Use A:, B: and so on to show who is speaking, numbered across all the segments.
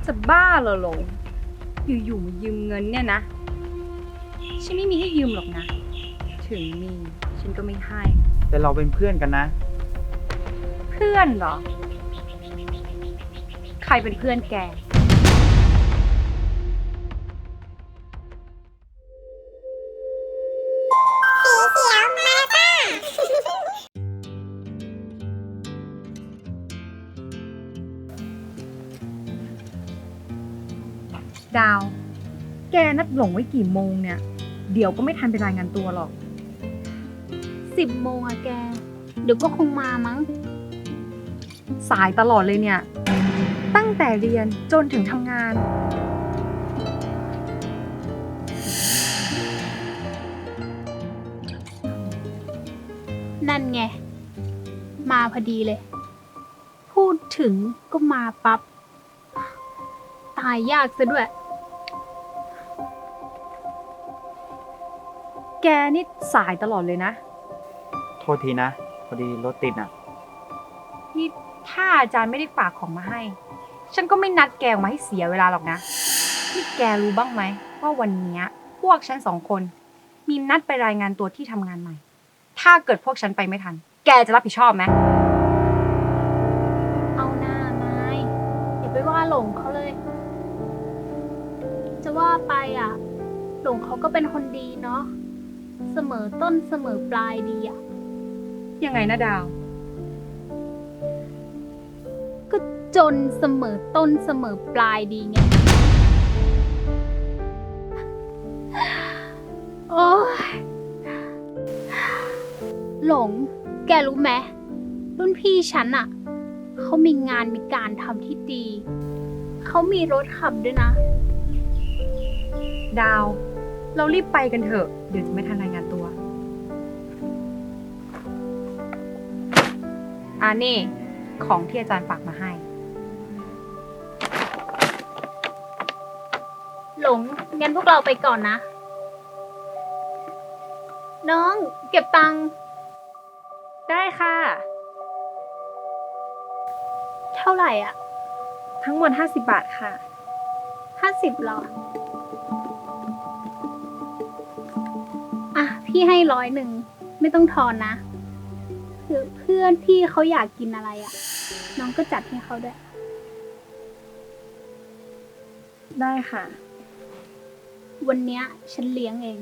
A: จะบ้าเหรอหลงอยู่ๆมายืมเงินเนี่ยนะฉันไม่มีให้ยืมหรอกนะถึงมีฉันก็ไม่ให้
B: แต่เราเป็นเพื่อนกันนะ
A: เพื่อนเหรอใครเป็นเพื่อนแกดาว แกนัดหลงไว้กี่โมงเนี่ย เดี๋ยวก็ไม่ทันไปรายงานตัวหรอก
C: 10 โมงอะแก เดี๋ยวก็คงมามั้ง
A: สายตลอดเลยเนี่ย ตั้งแต่เรียนจนถึงทำงาน
C: นั่นไง มาพอดีเลย พูดถึงก็มาปับ๊บ ตายยากซะด้วย
A: แกนี่สายตลอดเลยนะ
B: โทษทีนะ พอดีรถติดอ่ะ
A: นี่ถ้าอาจารย์ไม่ได้ฝากของมาให้ ฉันก็ไม่นัดแกออกมาให้เสียเวลาหรอกนะ นี่แกรู้บ้างไหมว่าวันเนี้ยพวกฉัน2 คนมีนัดไปรายงานตัวที่ทำงานใหม่ ถ้าเกิดพวกฉันไปไม่ทัน แกจะรับผิดชอบไหม
C: เอาหน้านายอย่าไปว่าหลงเขาเลย จะว่าไปอ่ะ หลงเขาก็เป็นคนดีเนาะ เสมอต้นเสมอปลายดีอ่ะ
A: ยังไงนะดาว
C: ก็จนเสมอต้นเสมอปลายดีไง โอ้ยหลง แกรู้ไหมรุ่นพี่ฉันอะเขามีงานมีการทำที่ดี เขามีรถขับด้วยนะ
A: ดาว เรารีบไปกันเถอะ เดี๋ยวจะไม่ทันรายงานตัวนี่ของที่อาจารย์ฝากมาให้
C: หลง งั้นพวกเราไปก่อนนะ น้อง เก็บตังค์
A: ได้ค่ะ
C: เท่าไหร่อ่ะ
A: ทั้งหมด50 บาทค่ะ
C: 50หรอ อ่ะ พี่ให้100ไม่ต้องทอนนะคือเพื่อนพี่เขาอยากกินอะไรอ่ะ น้องก็จัดให้เขาด้วย
A: ได้ค่ะ
C: วันเนี้ยฉันเลี้ยงเอง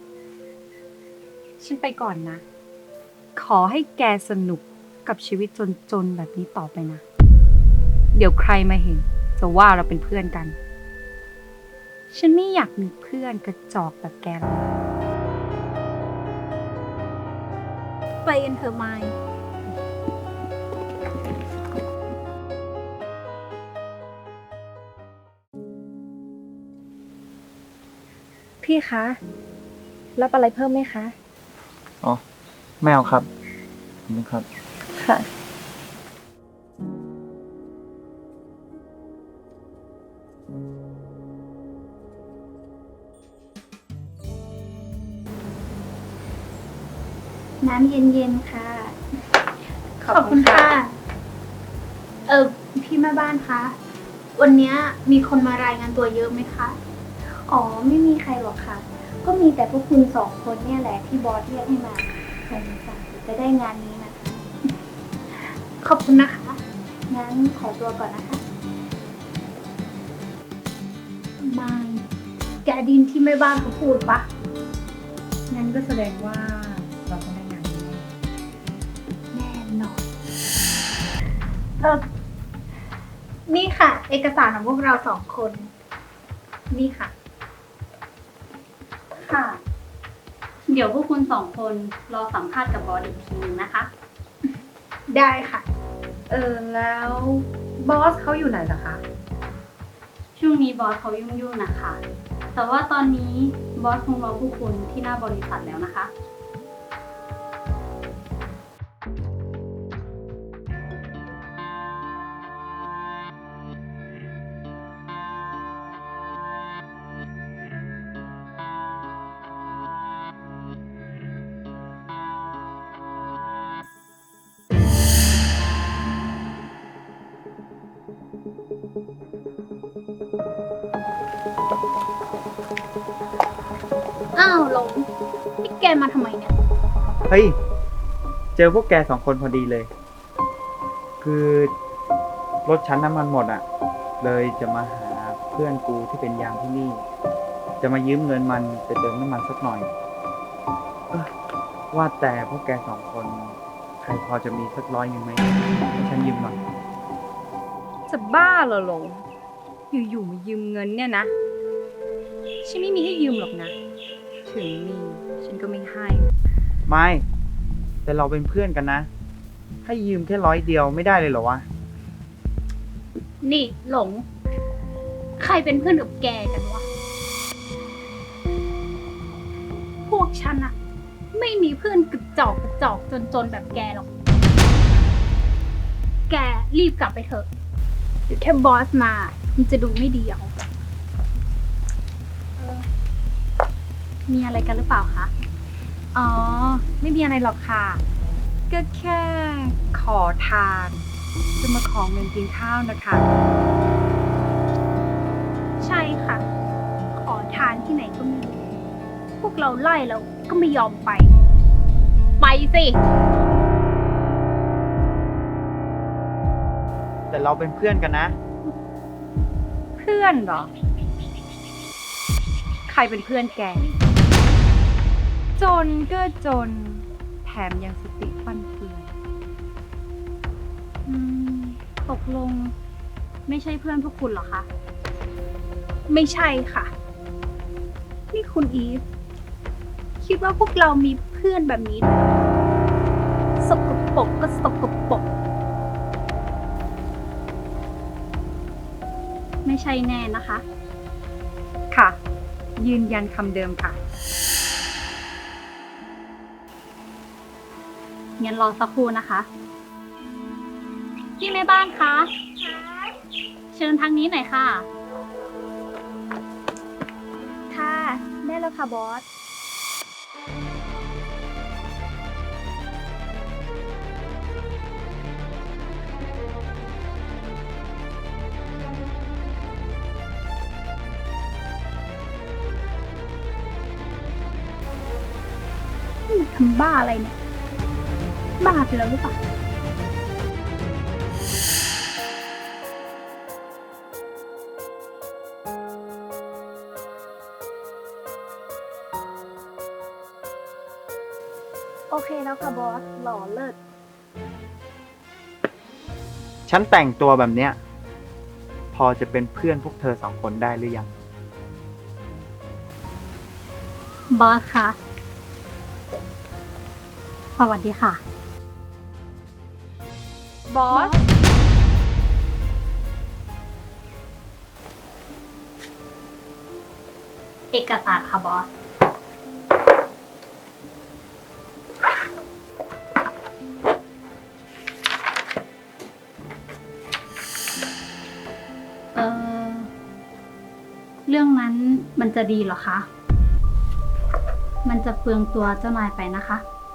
A: ฉันไปก่อนนะ ขอให้แกสนุกกับชีวิตจนๆแบบนี้ต่อไปนะ เดี๋ยวใครมาเห็น จะว่าเราเป็นเพื่อนกัน ฉันไม่อยากมีเพื่อนกระจอกแบบแกหรอก
C: ไปกันเถอะไมค์
A: พี่คะ รับอะไรเพิ่มไหมคะ
B: อ๋อ ไม่เอาครับขอบคุณครับ
A: ค่ะ
C: น้ำเย็นๆค่ะ ขอบคุณค่ะ พี่แม่บ้านคะ วันเนี้ยมีคนมารายงานตัวเยอะไหมคะ
D: อ๋อไม่มีใครหรอกค่ะ ก็มีแต่พวกคุณ2 คนเนี่ยแหละที่บอสเรียกให้มาสงสัยจะได้งานนี้นะคะ
C: ขอบคุณนะคะ
D: งั้นขอตัวก่อนนะคะ
C: ไม่แกดินที่แม่บ้านเขาพูดปะ
A: งั้นก็แสดงว่าเราต้องได้งานนี้
C: แน่นอนนี่ค่ะ เอกสารของพวกเรา2 คน นี่ค่ะ
E: ค่ะ เดี๋ยวพวกคุณ2 คนรอสัมภาษณ์กับบอสอีกทีนึงนะคะ
C: ได้ค่ะ
A: แล้วบอสเขาอยู่ไหนเหรอคะ
E: ช่วงนี้บอสเขายุ่งๆนะคะ แต่ว่าตอนนี้บอสคงรอพวกคุณที่หน้าบริษัทแล้วนะคะ
C: อ้าวหลงนี่แกมาทำไมเนี่ย
B: เฮ้ย เจอพวกแกสองคนพอดีเลย คือรถฉันน้ำมันหมดอ่ะ เลยจะมาหาเพื่อนกูที่เป็นยามที่นี่ จะมายืมเงินมันไปเติมน้ำมันสักหน่อยเอ้อว่าแต่พวกแกสองคน ใครพอจะมีสัก100ไหมให้ฉันยืมหน่อย
A: จะบ้าเหรอหลง อยู่ๆมายืมเงินเนี่ยนะ ฉันไม่มีให้ยืมหรอกนะ ถึงมีฉันก็ไม่ให้
B: ไม่ แต่เราเป็นเพื่อนกันนะ ให้ยืมแค่100เดียวไม่ได้เลยเหรอวะ
C: นี่หลง ใครเป็นเพื่อนกับแกกันวะ พวกฉันอะไม่มีเพื่อนกระจอกจนแบบแกหรอก แกรีบกลับไปเถอะเดี๋ยวแค่บอสมามันจะดูไม่ดีเอามีอะไรกันหรือเปล่าคะ
A: อ๋อ ไม่มีอะไรหรอกค่ะ ก็แค่ขอทาน จะมาขอเงินกินข้าวนะคะ
C: ใช่ค่ะ ขอทานที่ไหนก็ไม่รู้พวกเราไล่แล้วก็ไม่ยอมไป ไปสิ
B: แต่เราเป็นเพื่อนกันนะ
A: เพื่อนเหรอ ใครเป็นเพื่อนแก จนก็จน แถมยังสติฟั่นเฟือน
C: ตกลง ไม่ใช่เพื่อนพวกคุณเหรอคะ ไม่ใช่ค่ะ นี่คุณอีฟ คิดว่าพวกเรามีเพื่อนแบบนี้ด้วยเหรอสกปรกก็สกปรกไม่ใช่แน่นะคะ
A: ค่ะ ยืนยันคำเดิมค่ะ
C: งั้นรอสักครู่นะคะ พี่แม่บ้านคะ เชิญทางนี้หน่อยค่ะ
D: ค่ะได้แล้วค่ะบอส
C: ทำบ้าอะไรเนี่ย บ้าไปแล้วหรือเปล่า
D: โอเคแล้วค่ะบอส หล่อเลิศ
B: ฉันแต่งตัวแบบเนี้ย พอจะเป็นเพื่อนพวกเธอสองคนได้หรือยัง
C: บอสคะ สวัสดีค่ะ
A: บอส
C: เอกสารค่ะบอส เรื่องนั้นมันจะดีเหรอคะ มันจะเปลืองตัวเจ้านายไปนะคะ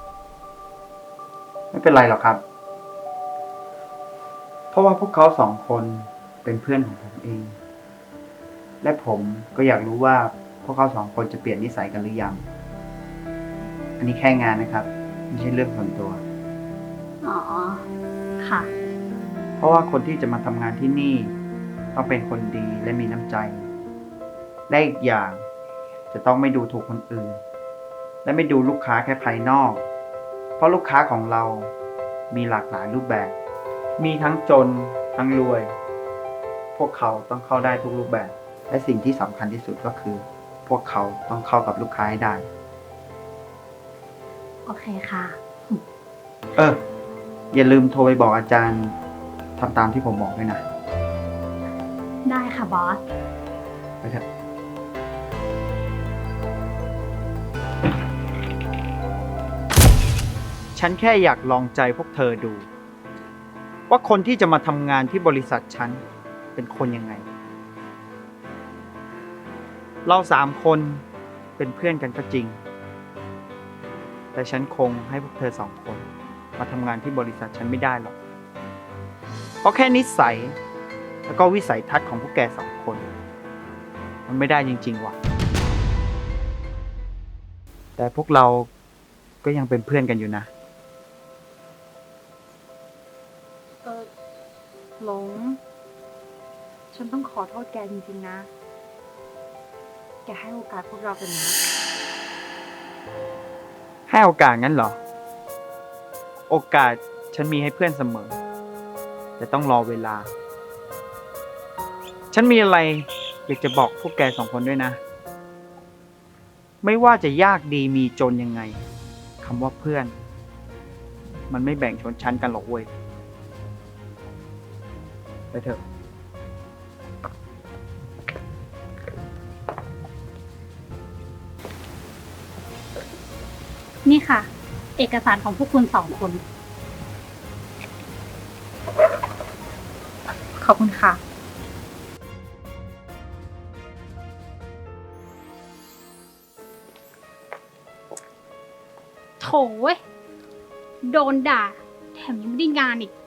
B: ไม่เป็นไรหรอกครับ เพราะว่าพวกเขาสองคนเป็นเพื่อนของผมเอง และผมก็อยากรู้ว่าพวกเขาสองคนจะเปลี่ยนนิสัยกันหรือยัง อันนี้แค่งานนะครับ ไม่ใช่เรื่องส่วนตัว
C: อ๋อ ค่ะ
B: เพราะว่าคนที่จะมาทำงานที่นี่ต้องเป็นคนดีและมีน้ำใจ และอีกอย่างจะต้องไม่ดูถูกคนอื่น และไม่ดูลูกค้าแค่ภายนอก เพราะลูกค้าของเรามีหลากหลายรูปแบบ มีทั้งจนทั้งรวย พวกเขาต้องเข้าได้ทุกรูปแบบ และสิ่งที่สำคัญที่สุดก็คือ พวกเขาต้องเข้ากับลูกค้าให้ได้
C: โอเคค่ะ
B: อย่าลืมโทรไปบอกอาจารย์ทำตามที่ผมบอกด้วยนะ
C: ได้ค่ะบอส
B: ไปเถอะ ฉันแค่อยากลองใจพวกเธอดู ว่าคนที่จะมาทำงานที่บริษัทฉันเป็นคนยังไง เรา3 คนเป็นเพื่อนกันก็จริง แต่ฉันคงให้พวกเธอ2 คนมาทำงานที่บริษัทฉันไม่ได้หรอก เพราะแค่นิสัยแล้วก็วิสัยทัศน์ของพวกแก2 คน มันไม่ได้จริงๆว่ะแต่พวกเราก็ยังเป็นเพื่อนกันอยู่นะ
A: หลง ฉันต้องขอโทษแกจริงๆนะ แกให้โอกาสพวกเราเป็นนะ
B: ให้โอกาสงั้นเหรอ โอกาสฉันมีให้เพื่อนเสมอ แต่ต้องรอเวลา ฉันมีอะไรอยากจะบอกพวกแกสองคนด้วยนะ ไม่ว่าจะยากดีมีจนยังไงคำว่าเพื่อน มันไม่แบ่งชนชั้นกันหรอกเว้ย ไปเถอะ
E: นี่ค่ะ เอกสารของพวกคุณสองคน
A: ขอบคุณค่ะ
C: โถเว้ยโดนด่า แถมยังไม่ได้งานอีก